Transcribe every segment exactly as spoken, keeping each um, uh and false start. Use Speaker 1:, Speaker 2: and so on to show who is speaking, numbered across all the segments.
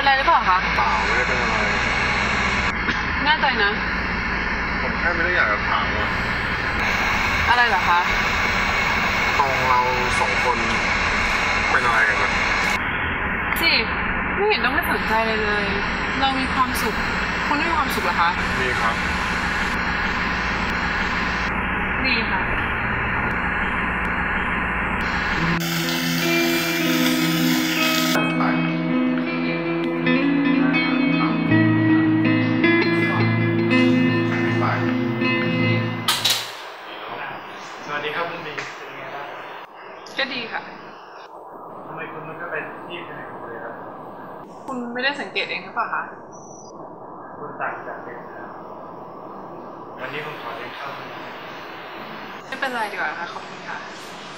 Speaker 1: อะไรหรือเปล่าคะ
Speaker 2: เปล่าไม่ได้เป็นอะไร
Speaker 1: แน่ใจนะ
Speaker 2: ผมแค่ไม่ได้อยากจะถามว่า
Speaker 1: อะไรเหรอคะ
Speaker 2: ตองเราสองคนเป็นอะไรกันนะ
Speaker 1: สิไม่เห็นต้องไม่สนใจเลยเลยเรามีความสุขคุณไม่มีความสุขเหรอคะ
Speaker 2: มีครับ
Speaker 1: ดีค่ะ
Speaker 3: สวัสดีครับคุณบีเป็นไงบ้าง
Speaker 1: ก็ดีค่ะ
Speaker 3: ทำไมคุณมันก็เป็นที่เป็นอย่างเลยครับ
Speaker 1: คุณไม่ได้สังเกตเองหรือเปล่าคะ
Speaker 3: คุณต่างจากเดิมครับวันนี้ผมขอเลี้ยงข้าวคุณ
Speaker 1: ไม่เป็นไรดีกว่าค่ะขอบคุณค่ะ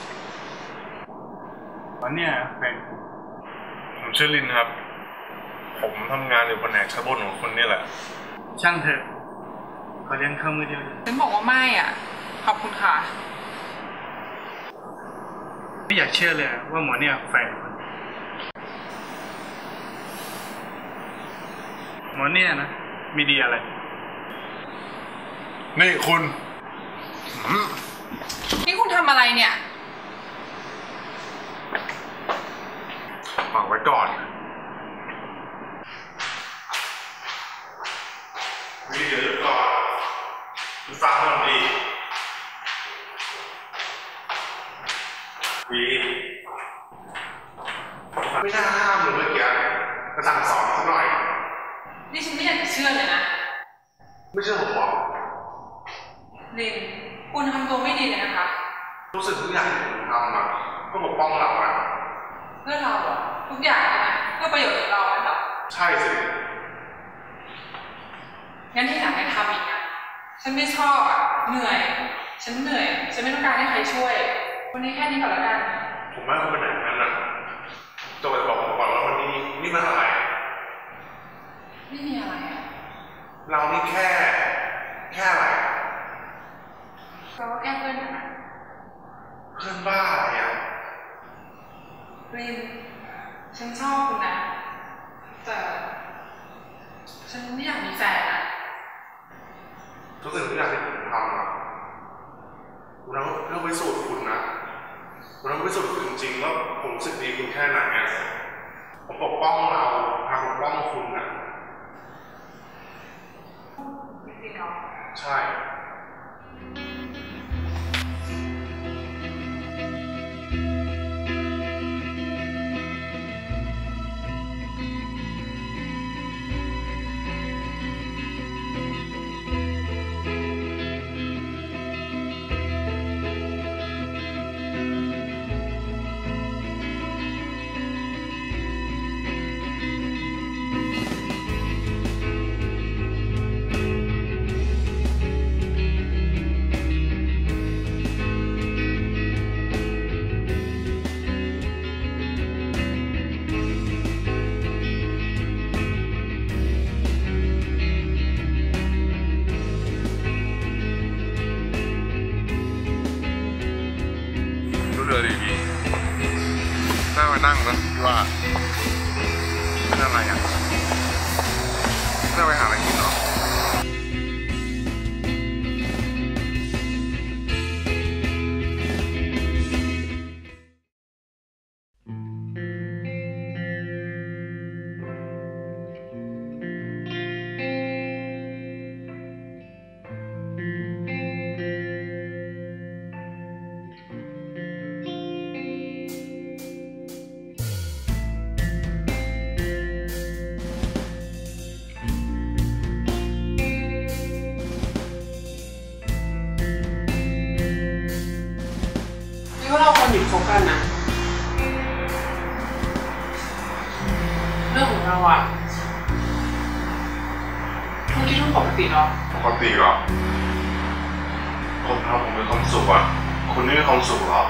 Speaker 3: วันนี้แฟน
Speaker 2: ผมชื่อลินครับผมทำงานอยู่แผนกชั้นบนของคุณนี่แหละ
Speaker 3: ช่างเถอะขอเลี้ยงข้าวมือเดียว
Speaker 1: ฉันบอกว่าไม่อ่ะขอบคุณค่ะ
Speaker 3: ไม่อยากเชื่อเลยว่าหมอเนี่ยแฟนคุณหมอเนี่ยนะมีดีอะไร
Speaker 2: นี่คุณ
Speaker 1: นี่คุณทำอะไรเนี่ย
Speaker 2: ฟังไว้ก่อนวีเดี๋ยวจะก่อนคุณฟังก่อนดีวีไม่น่าห้ามเลยเมื่อกี้มาสั่งสอนสักหน่อย
Speaker 1: นี่ฉันไม่อยากจะเชื่อเลยนะ
Speaker 2: ไม่เชื่อผมหรอก
Speaker 1: ลินคุณทำตัวไม่ดีเลยนะคะ
Speaker 2: รู้สึกทุกอย่างที่ผมทำอะเพื่อปกป้องเราอะ
Speaker 1: เพื่อเราอะทุกอย่างนะเพื่อประโยชน์ของเราเหรอ
Speaker 2: ใช่สิ
Speaker 1: งั้นที่หลังไม่ทำอีกนะฉันไม่ชอบอะเหนื่อยฉันเหนื่อยฉันไม่ต้องการให้ใครช่วยวันนี้แค่นี้ก่อนแล้วกัน
Speaker 2: ผมไม่ต้องเป็นอย่างนั้นนะจะไปบอกผมก่อนว่าวันนี้นี่มันอะไร
Speaker 1: ไม่มีอะไรอะ
Speaker 2: เรานี่แค่แค่อะไร
Speaker 1: เราก็แค่เพื่อนกันนะ
Speaker 2: เพื่อนบ้าอะไรอ่ะ
Speaker 1: รินฉันชอบคุณนะแต่ฉันไม่อยากมีแฟนนะ
Speaker 2: ทุกสิ่งทุกอย่างที่ผมทำอ่ะคุณต้องเพื่อพิสูจน์คุณนะคุณต้องพิสูจน์คุณจริงๆว่าผมรู้สึกดีคุณแค่ไหนอ่ะผมปกป้องเราทางปกป้องคุณนะ
Speaker 1: จริงๆเหรอ
Speaker 2: ใช่เรือดีๆน่ามานั่งนะว่าเป็นอะไรอ่ะน่าไปหาอะไรกินเนาะ
Speaker 1: ว่าเราควรหยุดคบกันนะเรื่องของเราอะคุณคิดว่าปกติหรอ
Speaker 2: ปกติเหรอคนทำผมมีความสุขอะคุณไม่มีความสุขหรอ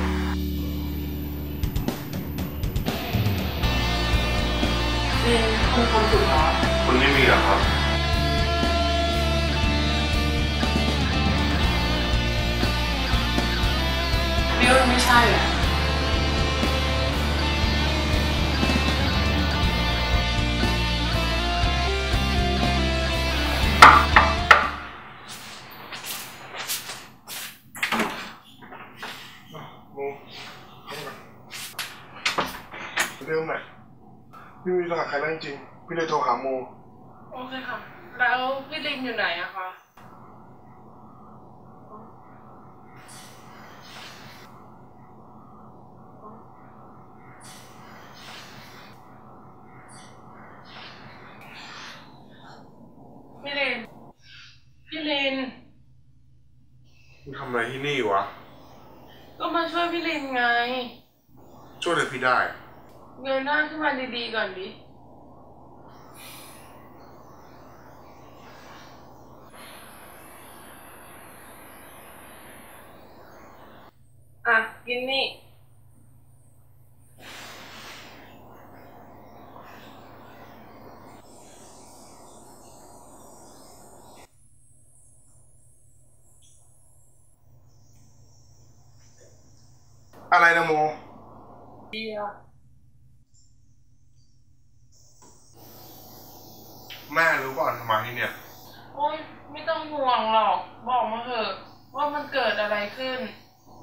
Speaker 1: เรียนคุณความสุขหรอ
Speaker 2: คุณไม่มีหรอครับ
Speaker 1: เรียกว่าไม่ใช่แหละ
Speaker 2: เดิมแหละพี่มีโทรหาใครแล้วจริงๆพี่เลยโทรหาโม
Speaker 1: โอเคค่ะแล้วพี่ลินอยู่ไหนอะคะพี่ลินพี่ลิน
Speaker 2: มึงทำอะไรที่นี่วะ
Speaker 1: ก็มาช่วยพี่ลินไง
Speaker 2: ช่วยเลยพี่ได้
Speaker 1: เงยหน้าขึ้นมาดีๆก่อนดิอ่ะกินนี่
Speaker 2: อะไรนะโม
Speaker 1: เบียร์
Speaker 2: แม่รู้ก่อนทำไมที่เนี่ย
Speaker 1: โอ๊ยไม่ต้องห่วงหรอกบอกมาเถอะว่ามันเกิดอะไรขึ้น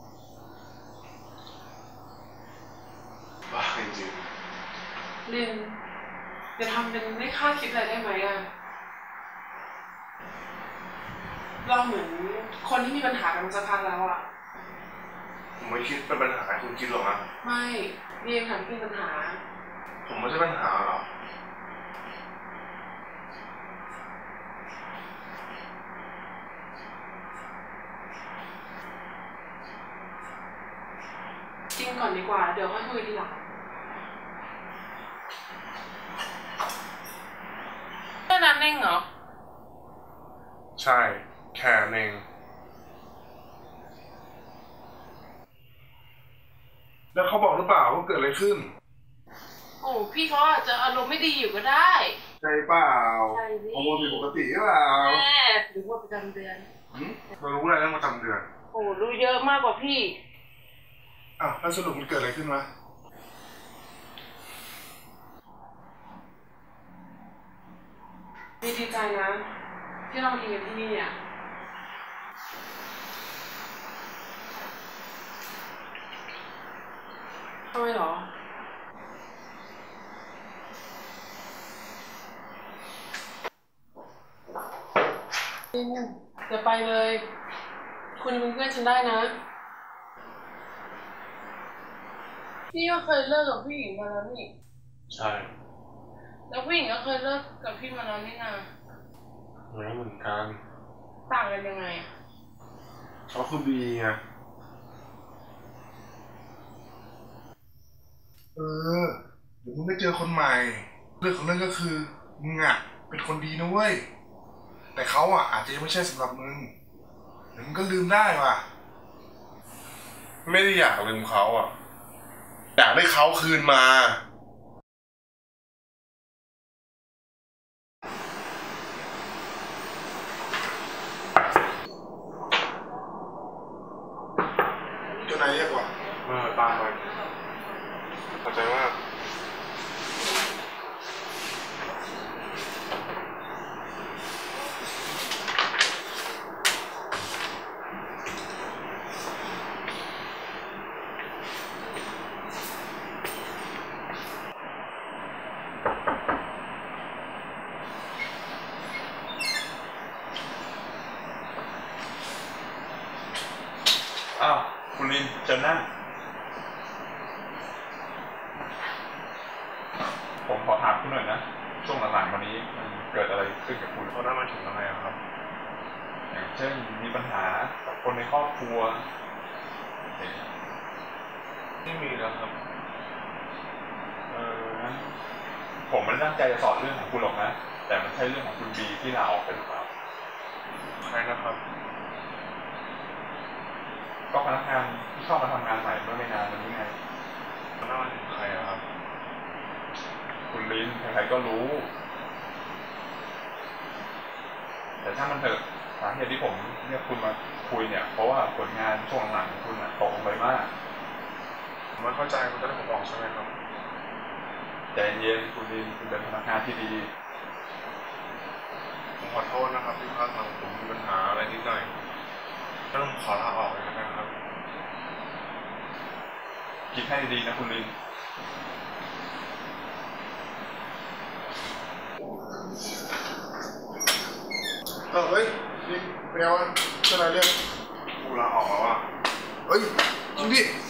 Speaker 2: บ้าจริง
Speaker 1: ลินจะทำเป็นไม่คาดคิดอะไรได้ไหมอะเราเหมือนคนที่มีปัญหากันมาสักพักแล้วอะ
Speaker 2: ผมไม่คิดเป็นปัญหาคุณคิดหรอกนะ
Speaker 1: ไม่เรียนถามพี่ปัญหา
Speaker 2: ผมไม่ใช่ปัญหาหรอ
Speaker 1: กินก่อนดีกว่าเดี๋ยวค่อยคุยทีหลังแค่นั้นเองเหรอ
Speaker 2: ใช่แค่นั้นเองแล้วเขาบอกหรือเปล่าว่าเกิดอะไรขึ้น
Speaker 1: โอ้พี่เขาอาจจะอารมณ์ไม่ดีอยู่ก็ได้
Speaker 2: ใช่เปล่า
Speaker 1: ใช่ดิ
Speaker 2: ฮอร์โมนผิดปกติหรือเปล่า
Speaker 1: แม่หรือว่าประจำเดือน
Speaker 2: เรารู้อะไรเรื่องประจำเดือน
Speaker 1: โอ้รู้เยอะมากกว่าพี่
Speaker 2: อ้าวแล้วสรุปมันเกิดอะไรขึ้นวะ
Speaker 1: ดีใจนะที่เราเรียนที่นี่อ่ะทำไมหรอจะไปเลยคุณเป็นเพื่อนฉันได้นะพี่ก็เคยเลิกกับผู้หญิงมาแล้วนี่
Speaker 2: ใช่
Speaker 1: แล้วผู้หญิงก็เคยเลิกกับพี่มาแล้วนี่นะ
Speaker 2: แล้วเหมือนกัน
Speaker 1: ต่างกันยังไง
Speaker 2: เขาคือบีไงเออเดี๋ยวมึงได้เจอคนใหม่เรื่องของเรื่องก็คือมึงอ่ะเป็นคนดีนะเว้ยแต่เขาอ่ะอาจจะยังไม่ใช่สำหรับมึงเดี๋ยวมึงก็ลืมได้ว่ะไม่ได้อยากลืมเขาอ่ะอยากได้เขาคืนมาเจ้านายเรียกว่าเออตามไปเข้าใจว่า
Speaker 3: อ้าวคุณลินเชิญนั่งผมขอถามคุณหน่อยนะช่วงหลังๆวันนี้มันเกิดอะไรขึ้นกับคุณ
Speaker 2: เขาได้มาถึงอะไรครับ
Speaker 3: อย่างเช่นมีปัญหากับคนในครอบครัว
Speaker 2: ไม่มีแล้วครับ
Speaker 3: เอองั้นผมไม่ได้ตั้งใจจะสอนเรื่องของคุณหรอกนะแต่มันใช่เรื่องของคุณบีที่ลาออกไปหรือเปล่า
Speaker 2: ใครนะครับ
Speaker 3: ก็พนักงานที่เข้ามาทำงานใหม่เมื่อไม่นานมานี้ไง
Speaker 2: มันน่าถึงใครครับ
Speaker 3: คุณลินใครๆก็รู้แต่ถ้ามันเถอะสาเหตุที่ผมเรียกคุณมาคุยเนี่ยเพราะว่าผลงานช่วงหลังคุณตกลงไปมาก
Speaker 2: ผมไม่เข้าใจคุณจะได้ผมบอกใช่ไหมครับ
Speaker 3: ใจเย็นคุณลินคุณเป็นพนักงานที่ดี
Speaker 2: ผมขอโทษนะครับที่พลาดทางผมมีปัญหาอะไรนิดหน่อยก็ต้องขอลาออกเลยนะครับ
Speaker 3: คิดให้ดีนะคุณลิน
Speaker 4: อเฮ้ยนี่เป็นไงวะเจ้านายเรียก
Speaker 2: กูลาออกแล้วอ่ะ
Speaker 4: เฮ้ยจริงดิ
Speaker 2: เ